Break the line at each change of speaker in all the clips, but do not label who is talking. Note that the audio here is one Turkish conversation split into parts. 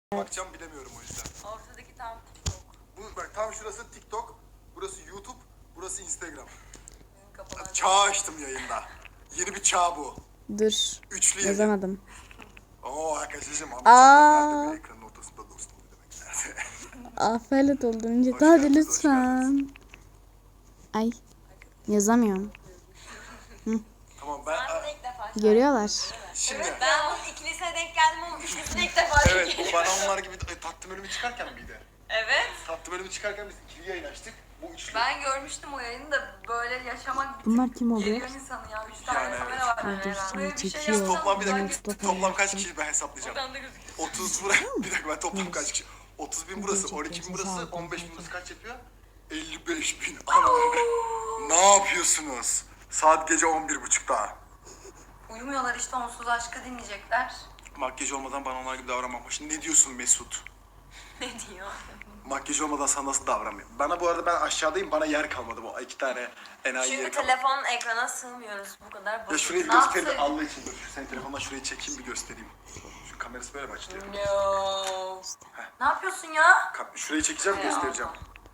Bakacağım bilemiyorum o yüzden.
Ortadaki tam TikTok.
Bu bak tam şurası TikTok, burası YouTube, burası Instagram.
Kafalar.
Çağ açtım yayında. Yeni bir çağ bu.
Dur.
Üçlü yayın.
Yazamadım.
Oo arkadaşım Ahmet
Aa.
Çakar nerede bir ekranın ortasında dostum ne demek nerede?
Aferin doldurunca.
Hoş
Hadi
geldiniz, hoş
lütfen. Ay. Yazamıyorum.
Tamam
Ben bunu ilk defa
Görüyorlar.
şimdi
Ben bunun ikilisine denk geldim ama üçlüsüne ilk defa denk
evet
geldim.
bu bana onlar gibi tatlı bölümü çıkarken miydi?
Evet.
Tatlı bölümü çıkarken biz ikili yayın açtık. Bu üçlü.
Ben görmüştüm o yayını da böyle yaşamak bir
Bunlar
tık
kim oluyor?
geriyor insanı ya. 3 tane
Yani
kamera var.
evet.
herhalde.
Dur,
Böyle bir şey
çekiyor.
yapsam
Toplam bir dakika
Mustafa
toplam kaç
yaptı.
kişi ben hesaplayacağım.
Oradan da gözüküyor.
30 burası bir dakika ben toplam kaç kişi? 30 bin burası, 12 bin burası, 15 bin burası kaç yapıyor? 55 bin. Ana. Ne yapıyorsunuz? Saat gece 11.30'da.
Uyumuyorlar işte onsuz aşkı dinleyecekler.
Makyaj olmadan bana onlar gibi davranmamış. Ne diyorsun Mesut?
Ne diyor?
Makyaj olmadan sana nasıl davranmıyor? Bana bu arada ben aşağıdayım bana yer kalmadı bu iki tane enayi
Çünkü
yer kalmadı.
telefon ekrana sığmıyoruz bu kadar
Ya
basit.
şurayı bir
Ne
göstereyim de
yapsaydık?
Allah için dur. Senin telefondan şurayı çekeyim bir göstereyim. Şu kamerası böyle mi açılıyor?
No. Ne yapıyorsun ya?
Şurayı çekeceğim göstereceğim.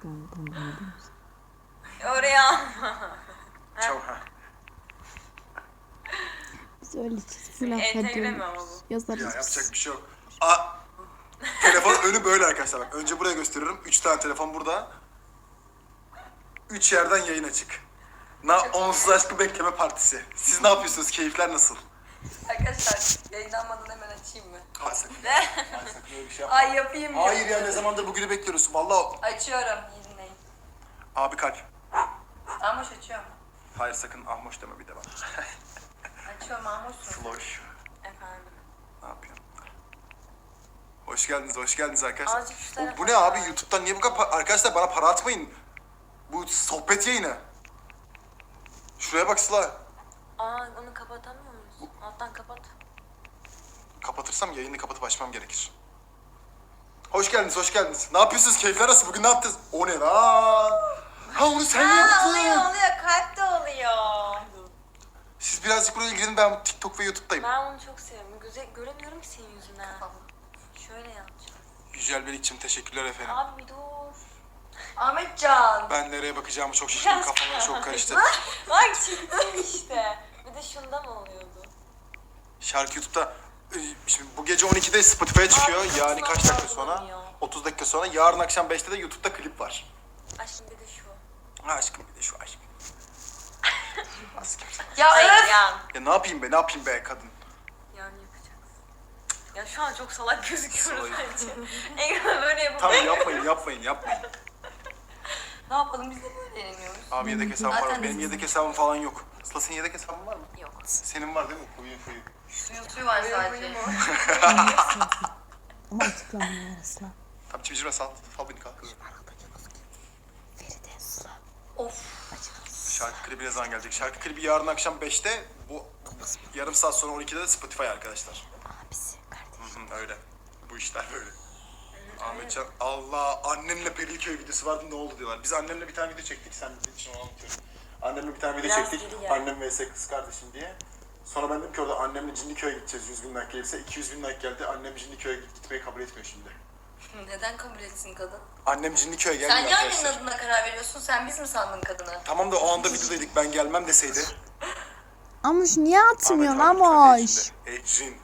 Oraya alma.
Çabuk ha.
Biz öyle full
Entegre mi ama
affediyoruz.
bu?
Yazarız
Ya
biz.
yapacak bir şey yok. Aa, telefon önü böyle arkadaşlar bak. Önce buraya gösteriyorum. 3 tane telefon burada. 3 yerden yayın açık. Onsuz aşkı bekleme partisi. Siz ne yapıyorsunuz? Keyifler nasıl?
Arkadaşlar yayınlanmadan hemen açayım mı?
Hayır sakın.
Ne?
Hayır sakın öyle bir şey yapma.
Ay yapayım ya.
Hayır ya ne zamandır bugünü bekliyoruz. Vallahi
Açıyorum. İyi dinleyin.
abi kalp.
Ahmoş açıyorum.
Hayır sakın ahmoş deme bir de bana.
Açıyorum Ahmoş'um.
Floş.
Efendim.
Ne yapıyorsun? Hoş geldiniz arkadaşlar.
Azıcık şu
Bu
tarafa
ne abi?
bak.
YouTube'dan niye bu kadar arkadaşlar bana para atmayın. Bu sohbet yayını. Şuraya bak Sıla.
Aa onu kapatamıyor muyuz? Alttan kapat.
Kapatırsam yayını kapatıp açmam gerekir. Hoş geldiniz. Ne yapıyorsunuz? Keyifler nasıl? Bugün ne yaptınız? O ne lan? Ha onu sen yaptın.
oluyor. Kalp de oluyor.
Siz birazcık buraya ilgilenin. Ben TikTok ve YouTube'dayım.
Ben onu çok seviyorum. Göremiyorum ki senin yüzünden. Şöyle yapacağım.
Yücel Belikçim teşekkürler efendim.
Abi bir dur. Ahmetcan.
Ben nereye bakacağımı çok şaşırdım. Kafama çok karıştı.
Bak çıktın işte. Bir de şundan oluyordu.
Şarkı YouTube'da şimdi bu gece 12'de Spotify'a çıkıyor.
Abi,
Yani
çok
kaç
zaman
dakika sonra?
algılamıyor.
30 dakika sonra. Yarın akşam 5'te de YouTube'da klip var.
Aşkım bir de şu.
Ha aşkım bir de şu aşkım. Nasıl kimse?
Ya evet. Yan.
Ya ne yapayım be kadın.
Yan yapacaksın. Ya şu an çok salak gözüküyoruz
Salak.
bence. Ekrana böyle yapıp.
Tamam yapmayın.
Ne yapalım biz de böyle eğleniyoruz.
Abi yedek hesabım var.
Zaten
Benim
biz-
yedek hesabım falan yok. Sıla senin yedek hesabın var mı?
Yok.
Senin var değil mi? Fuyu.
Suyu var sadece.
Ama açıklamıyor asla.
Tamam çimcirme sal beni kalk.
Feride Sıla.
Of.
Şarkı klibi ne zaman gelecek? Şarkı klibi yarın akşam 5'te. Bu yarım saat sonra 12'de de Spotify arkadaşlar.
Abisi kardeşim.
Öyle. Bu işler böyle. Ahmetcan Allah annenle Periköy videosu vardı ne oldu diyorlar. Biz annemle bir tane video çektik sen bizim için onu anlatıyorum. Annemle bir tane video
Biraz
çektik.
geri gel.
Annem vs kız kardeşim diye. Sonra ben dedim ki orada annemle Cinliköy'e gideceğiz 100 bin like gelirse 200 bin like geldi. Annem Cinliköy'e gitmeyi kabul etmiyor şimdi.
Neden kabul etsin kadın?
Annem Cinliköy'e gelmiyor
Sen niye annenin
arkadaşlar.
adına karar veriyorsun? Sen biz mi sandın kadını?
Tamam da o anda videodaydık ben gelmem deseydi.
Amuş niye atmıyorsun
Ahmet abi
Amuş?
lütfen Ecrin.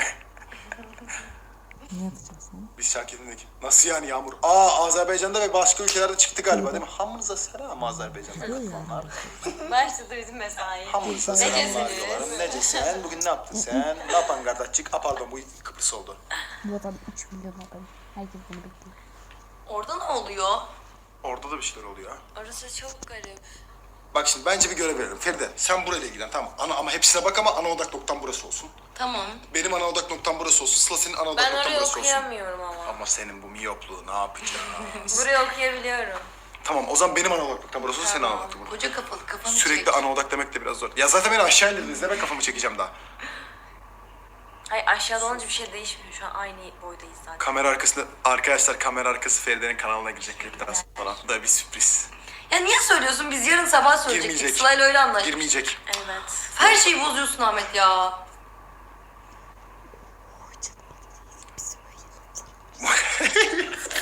Ne yapacaksın?
Biz şarkı dinledik. Nasıl yani Yağmur? Azerbaycan'da ve başka ülkelerde çıktı galiba değil mi? Hamınıza selam Azerbaycan'da katılanlar.
Başladı bizim mesai.
Hamınıza selamlar diyorlarım. Nece sen? Bugün ne yaptın sen? Ne yapan kardeşçik? Pardon bu Kıbrıs oldu.
Bu adam 3 milyon adam. Herkes bunu bekliyor.
Orada ne oluyor?
Orada da bir şeyler oluyor.
Orası çok garip.
Bak şimdi bence bir görev verelim. Feride sen burayla ilgilen tamam. Ama hepsine bak ama ana odak noktam burası olsun.
Tamam.
Benim ana odak noktam burası olsun. Sıla senin ana odak
Ben
noktan
orayı
burası olsun.
okuyamıyorum ama.
Ama senin bu miyopluğu ne yapacağız?
Burayı okuyabiliyorum.
Tamam o zaman benim ana odak noktam burası olsun senin ana odak noktan burası.
Koca kafalı kafanı
Sürekli
çek.
ana odak demek de biraz zor. Ya zaten beni aşağı indirdiniz ne ben kafamı çekeceğim daha.
Hayır aşağıda olunca bir şey değişmiyor. Şu an aynı boydayız zaten.
Kamera arkasında arkadaşlar kamera arkası Feride'nin kanalına girecek klipten sonra. Bu da bir sürpriz.
Ya niye söylüyorsun? Biz yarın sabah söyleyecektik.
Girmeyecek.
Sıla'yla öyle anlaştık.
Girmeyecek.
Evet. Her şeyi bozuyorsun Ahmet ya.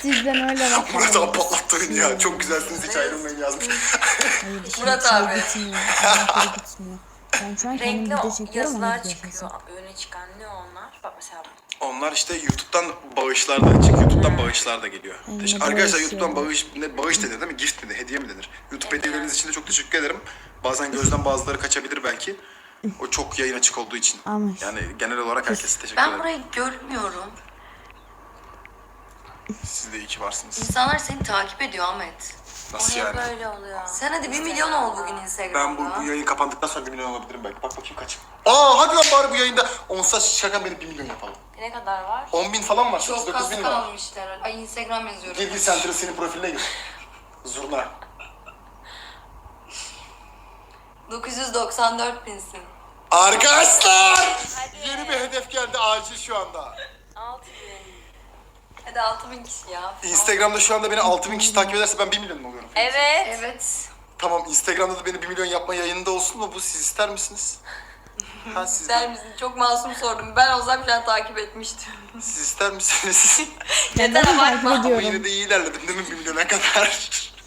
Sizden öyle bak.
Murat abi patlattı beni ya. Çok güzelsiniz hiç ayrılmayın yazmış.
Hayır, şimdi
Murat
şey
abi.
gitmiyor. Renkleri gitmiyor. Ben şu an kendim
Renkli
video çekiyorum ama
yazılar
video
çıkıyor.
sesi.
Öne çıkan ne onlar? Bak mesela
Onlar işte YouTube'dan bağışlar da çıkıyor. YouTube'dan bağışlar da geliyor.
Aynen,
Arkadaşlar
bağış
YouTube'dan
yani.
bağış denir değil mi? Gift mi de, hediye mi denir? YouTube hediyeleriniz için de çok teşekkür ederim. Bazen gözden bazıları kaçabilir belki. O çok yayın açık olduğu için.
Ama-
Yani genel olarak herkese teşekkür
ben
ederim.
burayı görmüyorum.
Siz de iyi ki varsınız.
İnsanlar seni takip ediyor Ahmet.
Nasıl
Niye
yani?
böyle oluyor?
Sen hadi 1 milyon ol bugün
Ben
Instagram'da.
bu yayın kapandıktan sonra 1 milyon olabilirim belki. Bak bakayım kaç. Hadi lan bari bu yayında 10 saat şakan beni 1 milyon yapalım.
Ne kadar var?
10 bin falan var.
Çok
9
az
bin var.
kalmışlar. Ay Instagram yazıyorum.
Gir Center'ı senin profiline gir. Zurna.
994 binsin.
Arkadaşlar!
Hadi.
Yeni bir hedef geldi acil şu anda.
6000.
Hadi 6000 kişi ya.
Instagram'da şu anda beni 6000 kişi takip ederse ben 1 milyon mu oluyorum?
Evet.
Evet.
Tamam, Instagram'da da beni 1 milyon yapma yayında olsun mu? Bu siz ister misiniz? Ha siz,
İster misin? Çok masum sordum. Ben olsam şu an takip etmiştim.
siz ister misiniz?
Ben de takip
Ama
ediyorum.
yine de iyi ilerledim değil mi 1 milyona kadar?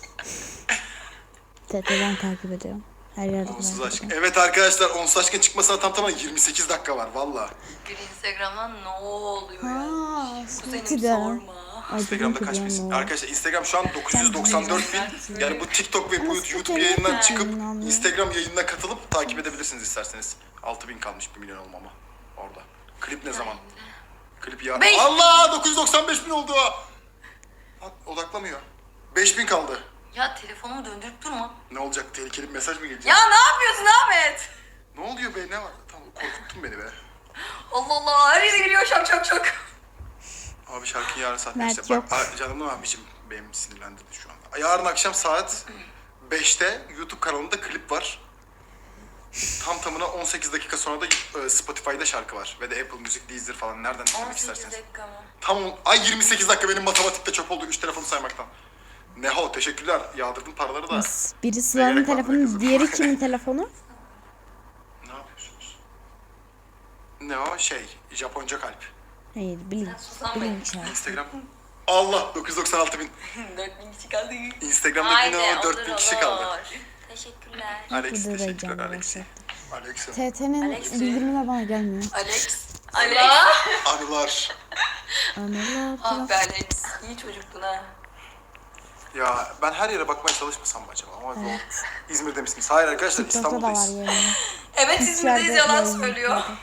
TT'den takip ediyorum. Her yerde
Onsuz
takip
aşk.
ediyorum.
Evet arkadaşlar, onsuz aşkın çıkmasına tamına 28 dakika var valla.
Bir Instagram'dan ne oluyor ya?
Aa,
Kuzenim
Sweetie de.
sorma.
Ay,
Instagram'da
bugünkü
kaç
benim
bin?
o.
Arkadaşlar Instagram şu an 994 bin. Yani bu TikTok ve bu YouTube yayından çıkıp Instagram yayınına katılıp takip edebilirsiniz isterseniz. 6000 kalmış 1 milyon olmama orada. Klip ne zaman? Klip ya.
Beş-
Allah 995 bin oldu. Ha, odaklamıyor. 5000 kaldı.
Ya telefonumu döndürüp durma.
Ne olacak? Tehlikeli bir mesaj mı gelecek?
Ya ne yapıyorsun Ahmet?
Ne oluyor be? Ne var? Tamam, korkuttun beni be.
Allah Allah, her yere giriyor şak şak şak.
Abi şarkıyı yarın saat
Mert
5'te.
yok.
Bak canımın abicim benim sinirlendirdi şu anda. Yarın akşam saat 5'te YouTube kanalında klip var. Tam tamına 18 dakika sonra da Spotify'da şarkı var. Ve de Apple Music, Deezer falan nereden dinlemek
18
isterseniz.
dakika mı?
Tam 28 dakika benim matematikte çöp oldu 3 telefonu saymaktan. Neho teşekkürler. Yağdırdın paraları da.
Biri Sıla'nın
gerek var be
telefonu,
kızım?
diğeri kimin telefonu?
Ne yapıyorsunuz? Ne o şey Japonca kalp.
Hayır, bilinç.
Susan Bey.
Bilinç yani.
Instagram. Allah 996 bin.
4000 kişi kaldı.
Instagram'da
Haydi
yine
olur
4000 kişi kaldı.
olur. Teşekkürler.
Alex
Burada da
teşekkürler
heyecanlı
Alex.
başlattı.
Alex'im.
TT'nin
Alex.
bildirimler bana gelmiyor.
Alex.
Alex.
Anılar.
Anılar.
Ah be Alex. İyi çocuktun ha.
Ya ben her yere bakmaya çalışmasam mı acaba? Ama zor. İzmir'de misiniz? Hayır arkadaşlar
TikTok'ta da var
İstanbul'dayız.
yani.
Evet
Hiç
İzmir'deyiz,
yerde
yalan
yayın
söylüyor.
yapmadı.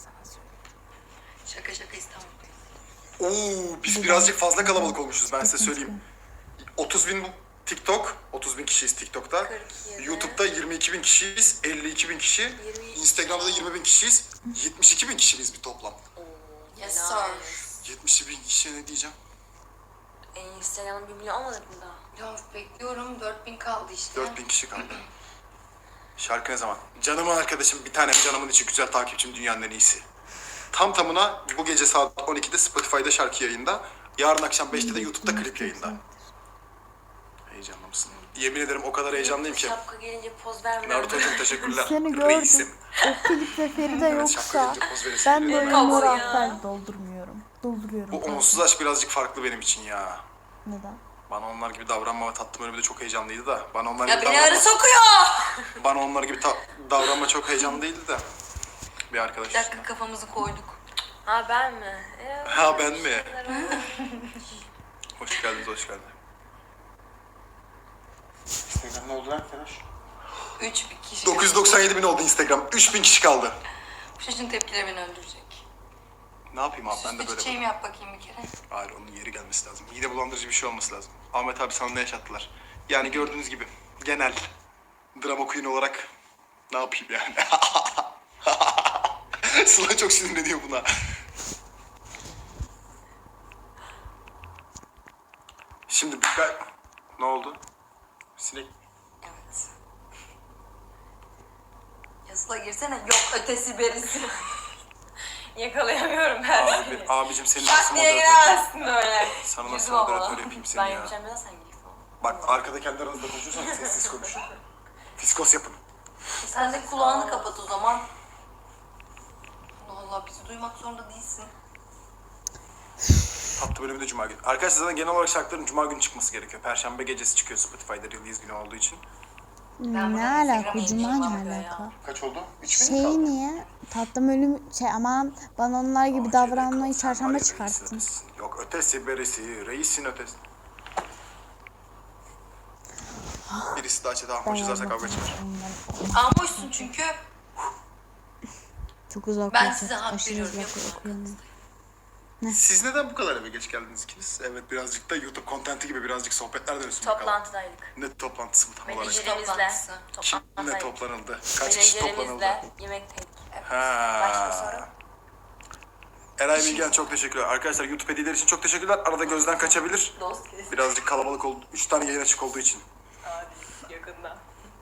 Şaka şaka İstanbul'dayız.
Oo, biz birazcık fazla kalabalık olmuşuz ben size söyleyeyim. 30 bin TikTok, 30 bin kişiyiz TikTok'ta.
47.
YouTube'da 22 bin kişiyiz, 52 bin kişi.
22.
Instagram'da da 20 bin kişiyiz. 72 bin kişiyiz bir toplam.
Yes
Helal.
sir.
70 bin kişiye ne diyeceğim?
Instagram'ın 1 milyon olmadı mı daha?
Ya bekliyorum, 4000 kaldı işte.
4 bin kişi kaldı. Şarkı ne zaman? Canımın arkadaşım, bir tanem canımın içi güzel takipçim, dünyanın en iyisi. Tam tamına bu gece saat 12'de Spotify'da şarkı yayında. Yarın akşam 5'te de YouTube'da klip yayında. Heyecanlı mısın? Yemin ederim o kadar heyecanlıyım ki.
Şapka gelince poz vermeden.
Naruto'cum teşekkürler.
Seni gördüm.
Reisim.
O klipte Feride
Evet, şapka
yoksa
gelince poz veresim
ben
geliyor.
böyle
Kavga
mor
ya.
harfler doldurmuyorum. Dolduruyorum.
Bu onsuz aşk birazcık farklı benim için ya.
Neden?
Bana onlar gibi davranma ve tatlım önümde çok heyecanlıydı da. Bana onlar
Ya
gibi
beni arı
davranma,
sokuyor.
bana onlar gibi davranma çok heyecanlı değildi de. Bir arkadaş
Bir dakika,
üstüne.
kafamızı koyduk.
Ha ben mi?
Ha ben mi? Hoş geldiniz, hoş geldin. Instagram ne oldu lan Feraş?
3000 kişi.
997 bin oldu Instagram. 3000 kişi kaldı.
Bu çocuğun tepkileri beni öldürecek.
Ne yapayım abi ben de
Süslü
böyle.
çiçeğimi yap bakayım bir kere.
Hayır onun yeri gelmesi lazım. Mide bulandırıcı bir şey olması lazım. Ahmet abi sana ne yaşattılar? Yani gördüğünüz gibi genel drama queen olarak ne yapayım yani? Sıla çok sinirleniyor buna. Şimdi ne oldu? Sinek.
Evet. Yasla girsene. Yok ötesi berisi.
Yakalayamıyorum ben seni.
Abicim senin
Bak
nasıl
diye
moderatör?
giremezsin böyle.
Sana
Yüzüm
nasıl
havalı.
moderatör yapayım seni
Ben
ya?
yapacağım ya sen gir falan.
Bak arkada kendi aranızda konuşuyorsanız sessiz konuşun. Fiskos yapın.
Sen de kulağını kapat o zaman. Allah Allah, bizi duymak zorunda değilsin.
Tatlı bölümü de cuma günü. Arkadaşlar zaten genel olarak şarkıların cuma günü çıkması gerekiyor. Perşembe gecesi çıkıyor Spotify'da release günü olduğu için.
Ben
Ne
buna
alaka?
Instagram'a
Cuma
yayınlayacağım
ne
ya.
alaka?
Kaç oldu? 3
Şey niye? Tatlım ölüm aman bana onlar gibi davranmayı çarşamba çıkarttın.
Yok ötesi berisi, reisin ötesi. Birisi daha çete ahmoş yazarsa kavga çıkar.
Almışsın çünkü.
Çok uzak.
Ben
olacak,
size hak
aşırı
veriyorum,
uzak
yapın
okuyamıyorum.
Siz neden bu kadar eve geç geldiniz ikiniz? Evet birazcık da YouTube kontenti gibi birazcık sohbetler dönüyorsun bakalım.
Toplantıdaydık.
Ne toplantısı bu tam olarak?
Menajerimizle.
Toplantısı.
Kimle
Toplantıdaydık.
toplanıldı? Kaç kişi toplanıldı?
Menajerimizle yemekteydik.
Ha.
Başka soru?
Eray Bilgen çok teşekkürler. Arkadaşlar YouTube hediyeler için çok teşekkürler. Arada gözden kaçabilir.
Dost kesin.
Birazcık kalabalık oldu. 3 tane yayın açık olduğu için.
Hadi yakında.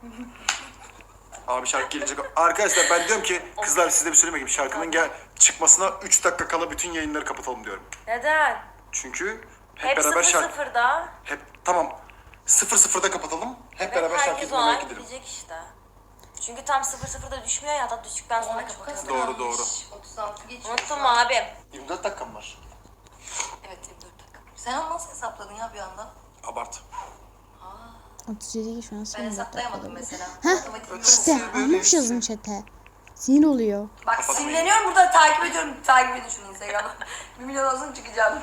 Abi şarkı gelecek. Arkadaşlar ben diyorum ki kızlar size bir söyleyeyim mi? Şarkının çıkmasına 3 dakika kala bütün yayınları kapatalım diyorum.
Neden?
Çünkü hep,
Hep
beraber şarkı...
0-0'da.
Hep tamam. 0-0'da kapatalım. Hep beraber şarkı
Herkes o
dinlemeye
an
gidelim.
gidecek işte. Çünkü tam 0-0'da düşmüyor ya, hatta düştükten sonra kapatıyoruz.
Doğru, doğru.
36 geçiyor.
Unuttun mu abim?
24 dakikam var.
Evet 24 dakika. Sen onu nasıl hesapladın ya bir anda?
Abart.
37 şu an
Ben
son
hesaplayamadım mesela.
Heh,
Matematiğim yok.
İşte ahmoş yazın chat'e. Sinir oluyor.
Bak
Kapatmayın.
sinirleniyorum burada takip ediyorum. Takip edin şunu Instagram'da. 1 milyon olsun çıkacağım.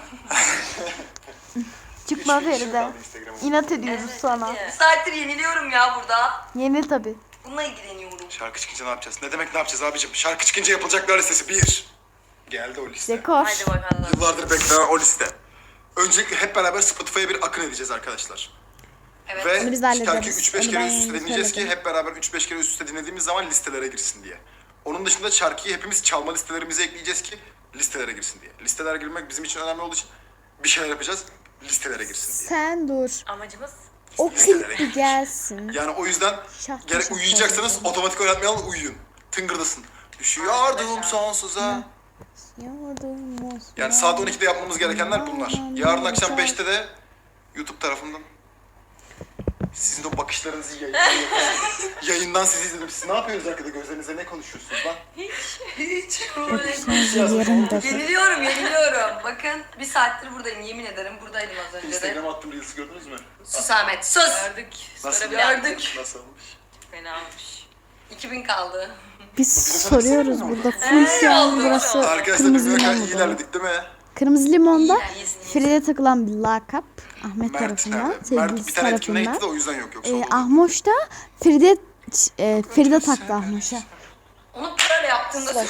Çıkma
3 kişi
Feride.
kaldı Instagram'a.
İnat ediyoruz sana.
Bir saattir yeniliyorum ya burada.
Yeni tabi.
Bununla ilgileniyorum.
Şarkı çıkınca ne yapacağız? Ne demek ne yapacağız abicim? Şarkı çıkınca yapılacaklar listesi 1. Geldi o liste.
Dekor.
Hadi bakalım.
Yıllardır beklenen o liste. Öncelikle hep beraber Spotify'a bir akın edeceğiz arkadaşlar.
Evet.
Ve
Onu biz de hallederiz.
şarkıyı 3-5
Onu
kere
ben
üst üste
yani
dinleyeceğiz ki
söyledim.
hep beraber 3-5 kere üst üste dinlediğimiz zaman listelere girsin diye. Onun dışında şarkıyı hepimiz çalma listelerimize ekleyeceğiz ki listelere girsin diye. Listelere girmek bizim için önemli olduğu için bir şeyler yapacağız, listelere girsin diye.
Sen dur.
Amacımız
O
Listelere
klip bir
gireceğiz.
gelsin.
Yani o yüzden
Şarkı
gerek
şarkı
uyuyacaksanız
söyleyeceğim.
otomatik oynatmayalım, uyuyun. Tıngırdasın. Düşüyordum sonsuza.
Yardım olsun.
Yani saat 12'de yapmamız gerekenler bunlar. Yarın akşam 5'te de YouTube tarafından sizin de o bakışlarınızı yayından sizi izledim. Siz ne yapıyorsunuz arkada? Gözlerinize ne konuşuyorsunuz lan?
Hiç.
Yarım da.
Yeniliyorum. Bakın bir saattir buradayım yemin ederim. Buradaydım az önce de.
Instagram'a attığım Reels'i gördünüz mü?
Sus Ahmet sus.
gördük.
Nasıl?
Sonra bir daha
Gördük.
Nasıl olmuş?
fena olmuş.
2000 kaldı.
Biz soruyoruz burada. Full şu an burası
Arkadaşlar
kırmızı
biz ne kadar
limon
iyi
burada.
ilerledik değil mi?
Kırmızı limonda
İyisin.
Fride takılan bir lakap. Ahmet
Mert
tarafından.
nerede? Mert
Sevgilisi
bir tane etkinliğe gitti de
tarafından.
o yüzden yok. Yoksa olurdu.
Ahmoş da Fride taktı Ahmoş'a.
Onu böyle yaptığımda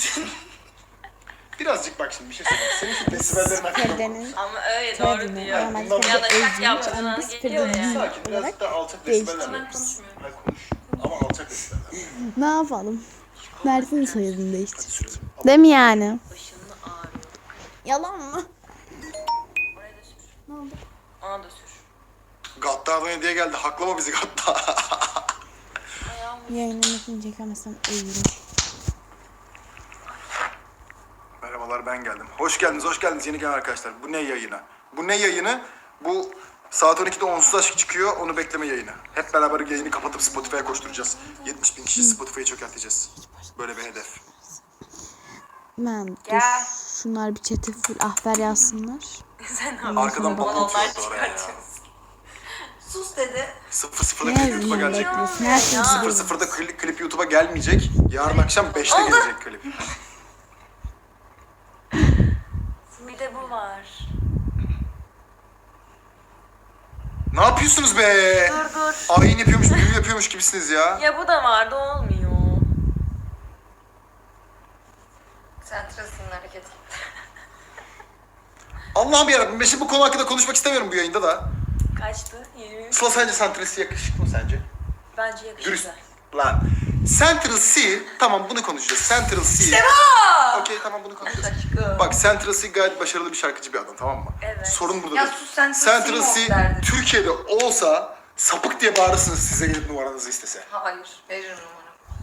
Birazcık bak şimdi bir şey söyleyeyim. Senin şu desibellerin hakkında mı?
Fride'nin
Ama öyle doğru
Tabii.
diyor.
Normalde
bundan
Ya da
Fride
şak
ezmiş
yaptığın
ama
an
biz
geliyor
Fride
ya.
değil
Sakin birazcık
olarak
daha alçak
değiştirdik.
desibeller yapıyoruz. Hadi konuş. Ama alçak desibeller.
ne yapalım? Mert'in soyadını değiştir.
Sürelim.
Değil mi yani?
Başını ağrıyor.
Yalan mı?
Oraya da sür.
Ne oldu?
Ona da sür.
Gattar'dan hediye geldi. Haklama bizi Gattar.
Yayınlamasını çekemezsem ölürüm.
Merhabalar ben geldim. Hoş geldiniz, hoş geldiniz yeni gelen arkadaşlar. Bu ne yayını? Bu ne yayını? Bu saat 12'de onsuz aşk çıkıyor, onu bekleme yayını. Hep beraber yayını kapatıp Spotify'a koşturacağız. 70.000 kişi Spotify'ı çökerteceğiz. Böyle bir hedef.
Ben dur.
Gel.
Şunlar bir chat'e full ahber yazsınlar.
Sen ne yapıyorsun?
Arkadan
Balonlar
bok atıyordu oraya ya.
çıkartıyorsun.
sus dedi.
0-0'da
Ne
klip YouTube'a
yazayım
gelecek.
bekliyorsun? Her şey
0-0'da klip YouTube'a gelmeyecek. Yarın akşam 5'te gelecek klip.
Bir de bu var.
Ne yapıyorsunuz be?
Dur.
Ayin yapıyormuş, büyü yapıyormuş gibisiniz ya.
Ya bu da vardı, olmuyor.
Sen tırasının hareketi.
Allah'ım yarabbim ben şimdi bu konu hakkında konuşmak istemiyorum bu yayında da.
Kaçtı? 20.
Sıla sence Santresi yakışıklı mı sence?
Bence
Dürüst.
yakıştı.
Lan. Central C, tamam bunu konuşacağız. Central C.
İşte bu!
Okey tamam bunu konuşacağız.
Aşkım.
Bak Central C gayet başarılı bir şarkıcı bir adam tamam mı?
Evet.
Sorun burada
Ya
değil.
sus, Central C
Central
mi
C
derdi?
Türkiye'de olsa sapık diye bağırırsınız size gelip numaranızı istese.
Hayır. Veririm numaramı.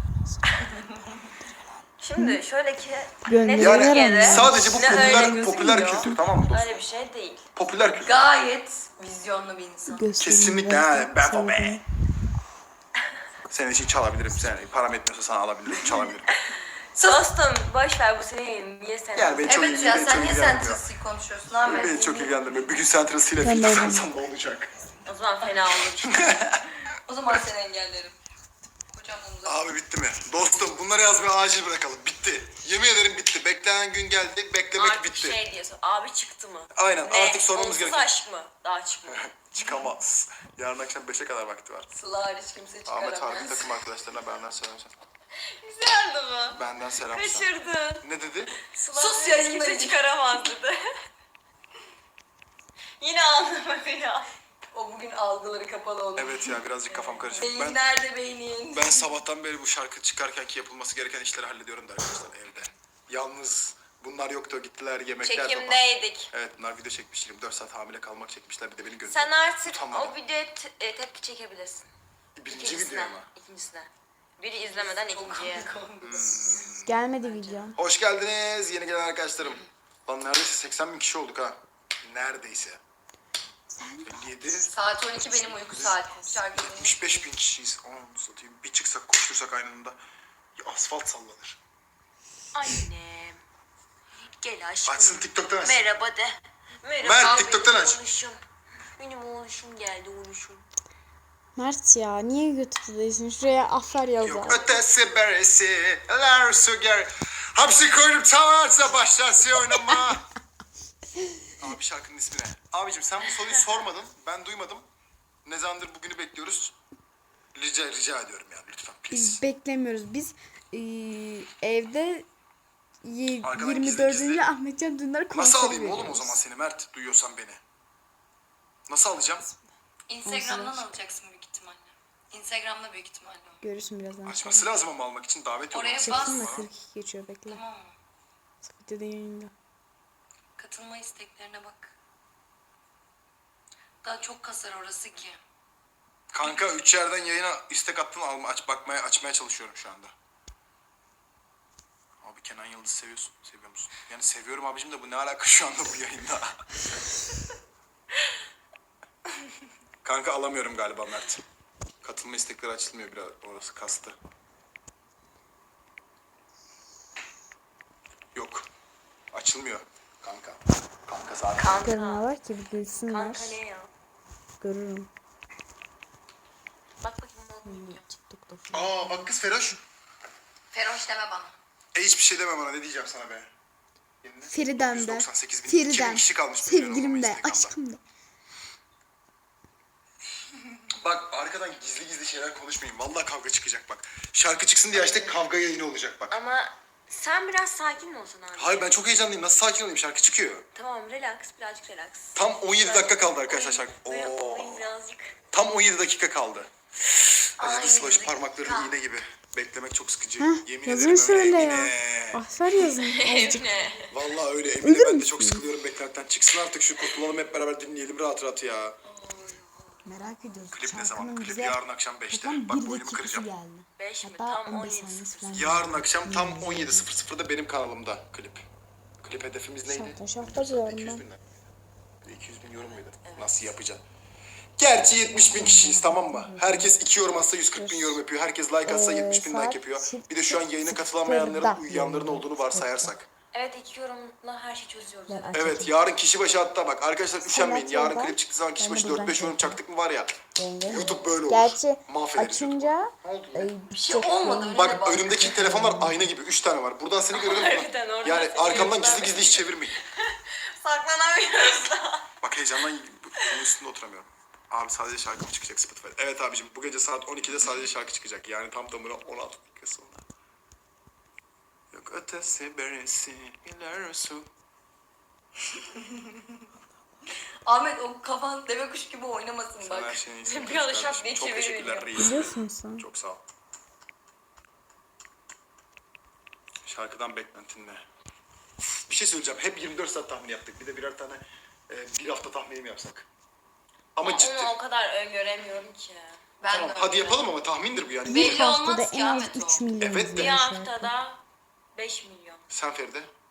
Şimdi şöyle ki
Gönderiyorlar
ne Türkiye'de,
ama.
Sadece bu
ne öyle
popüler
gözüküyor.
kültür tamam mı dostum?
Öyle bir şey değil.
Popüler kültür.
Gayet vizyonlu bir insan.
Kesinlikle ha, ben for be. Senin için çalabilirim. Sen param etmiyorsa sana alabilirim, çalabilirim.
Dostum boş ver bu senin. Niye sen?
Yani beni çok
Evet ya
beni
sen
çok
niye
ilgilendirmiyor.
Central'sı konuşuyorsun Ahmet?
Beni çok ilgilendirmiyor. Bir gün Central'sı ile
Ben de
film
öyle.
tutarsam ne olacak?
O zaman fena olur.
O zaman seni engellerim. Hocam omuz
Abi bitti mi? Dostum bunları yazmayı acil bırakalım. Bitti. Yemin ederim bitti. Beklenen gün geldi. Beklemek
Artık
bitti.
şey diyorsun. Abi çıktı mı?
Aynen artık sormamız
Onsuz
gereken.
aşk mı? Daha çıkmadı.
Çıkamaz. Yarın akşam 5'e kadar vakti var.
Sıla hariç kimse
Ahmet Harbi
çıkaramaz.
takım arkadaşlarına benden selam söyle.
Güzeldi bu.
Benden selam söyle.
Kaçırdın.
Ne dedi?
Sus
ya
yayındayım.
kimse çıkaramaz dedi. Yine anlamadı ya.
O bugün algıları kapalı olur.
Evet ya birazcık kafam karışık.
Beyin
Ben
nerede beynin?
Ben sabahtan beri bu şarkı çıkarken ki yapılması gereken işleri hallediyorum da arkadaşlar evde. Yalnız bunlar yoktu gittiler yemekler falan.
Çekimdeydik.
Evet bunlar video çekmiş 24 saat hamile kalmak çekmişler bir de beni
Sen artık
Utanmadım.
o videoya tepki çekebilirsin.
Birinci video mu?
İkincisine. Biri izlemeden ikinciye.
Gelmedi video.
Hoş geldiniz yeni gelen arkadaşlarım. Lan neredeyse 80 bin kişi olduk ha. Neredeyse. 57,
Saat 12 benim uyku saatim. Şarkı dinleyin.
75 bin kişiyiz. Onu satayım. Bir çıksak koştursak aynı anda asfalt sallanır.
Annem. Gel aşkım.
Açsın TikTok'tan aç.
Merhaba de. Merhaba.
Mert,
benim
TikTok'tan aç.
oğluşum. Benim oğluşum geldi oğluşum.
Mert ya niye YouTube'da değilsin? Şuraya afer yaz
Yok
ya.
ötesi beresi, eller su ger. Hapsi koydum tavarsa başlarsın oynama. Abi şarkının ismi ne? Abicim sen bu soruyu sormadın, ben duymadım. Ne zamandır bugünü bekliyoruz. Rica ediyorum yani lütfen please.
Biz beklemiyoruz. Biz evde
Arkadan
24.
gizli.
Ahmetcan Dündar konseri
Nasıl alayım
veriyoruz.
oğlum o zaman seni Mert, duyuyorsan beni? Nasıl alacağım?
Instagram'dan alacaksın büyük ihtimalle. Instagram'da büyük ihtimalle.
Görürsün birazdan.
Açması lazım ama almak için davet
Oraya
yollaması
bas.
lazım
Çektim de
bana.
42 geçiyor bekle.
Tamam mı?
Videoda yayında.
Katılma isteklerine bak. Daha çok kasar orası ki.
Kanka 3 yerden yayına istek attın açmaya çalışıyorum şu anda. Abi Kenan Yıldız seviyor musun? Yani seviyorum abicim de bu ne alaka şu anda bu yayında? Kanka alamıyorum galiba Mert. Katılma istekleri açılmıyor biraz orası kastı. Yok. Açılmıyor kanka. Kanka zaten.
Görme var ki bir gülsünler.
Kanka ne ya?
Görürüm.
Bak bakayım oğlum.
TikTok'ta falan.
Aa bak kız Feroş.
Feroş deme bana.
Hiçbir şey deme bana ne diyeceğim sana be. Yenine
Feriden de.
198 bin,
Feriden.
2000 kişi kalmış milyon olmama
Sevgilim de.
Instagram'da.
Aşkım da.
Bak arkadan gizli şeyler konuşmayın. Vallahi kavga çıkacak bak. Şarkı çıksın diye açtık kavga yayını olacak bak.
Ama sen biraz sakin mi olsun abi?
Hayır ben çok heyecanlıyım. Nasıl sakin olayım? Şarkı çıkıyor.
Tamam relax birazcık relax.
Tam 17 dakika kaldı arkadaşlar
Oyun-
şarkı.
Böyle
Oo.
oyun birazcık.
Tam 17 dakika kaldı. Acıdı
Ay,
slash
dakika.
parmakları iğne gibi. Beklemek çok sıkıcı.
Heh,
Yemin
yazın
ederim
şöyle
öyle
ya.
Emine.
Afer yazın. Azıcık.
Ne?
Vallahi öyle Emine
Ölür
ben de çok
müsün?
sıkılıyorum beklemekten. Çıksın artık şu kurtulalım hep beraber dinleyelim rahat rahat ya.
Merak ediyoruz.
Klip ne zaman?
Şarkının
Klip
bize
yarın akşam 5'te.
toplam
Bak
1
boynumu
dakikası
kıracağım.
geldi.
5 mi?
Hatta
Tam
15
17.
saniyesi falan.
Yarın akşam tam 17.00'da benim kanalımda klip. Klip hedefimiz neydi?
Şahta diyorum
200
ben.
bin lira. 200 bin yorum muydu? Nasıl yapacaksın? Gerçi 70 bin kişiyiz tamam mı? Herkes 2 yorum atsa 140 bin yorum yapıyor. Herkes like atsa 70 bin like
saat
yapıyor. Bir de şu an yayına katılamayanların, uyuyanların olduğunu varsayarsak.
Evet 2 yorumla her şeyi çözüyoruz.
Ben
Evet.
Evet yarın kişi başı hatta bak arkadaşlar üşenmeyin. Yarın
yolda,
klip çıktığı zaman kişi
ben de
başı
buradan
4-5 yorum
çekeceğim.
çaktık mı var ya.
Yenge.
YouTube böyle olur.
Gerçi
Mahvederiz YouTube'u.
açınca
Ne oldu?
bir
şey olmadı öyle de
Bak
bak.
önümdeki telefonlar ayna gibi 3 tane var. Buradan seni görüyorum.
Harbiden, oradan
Yani
seni
arkamdan
görüyorum.
gizli hiç çevirmeyin.
Saklanamıyoruz da.
Bak heyecandan bunun üstünde oturamıyorum. Abi sadece şarkı mı çıkacak Spotify'da? Evet abicim bu gece saat 12'de sadece şarkı çıkacak. Yani tam tamına 16 dakika sonra. Yok ötesi beresi ilerisi.
Ahmet o kafan deve kuş gibi oynamasın
Sen her
bak.
şeyin iyisini
Bir anda
kardeşim.
şak diye
Çok teşekkürler
çeviriyor.
reis.
biliyorsun sen.
Çok sağ ol. Şarkıdan beklentin ne? Bir şey söyleyeceğim. Hep 24 saat tahmin yaptık. Bir de birer tane bir hafta tahmini mi yapsak? Ama ciddi.
Onu o kadar öngöremiyorum ki.
Ben
Tamam
de
hadi
öyle.
yapalım ama tahmindir bu yani.
Bir
Belli
haftada
olmaz ki
en az
Ahmet
3
o.
milyon
Evet de.
Bir
izleyen şarkı.
haftada 5 milyon.
Sen Feride?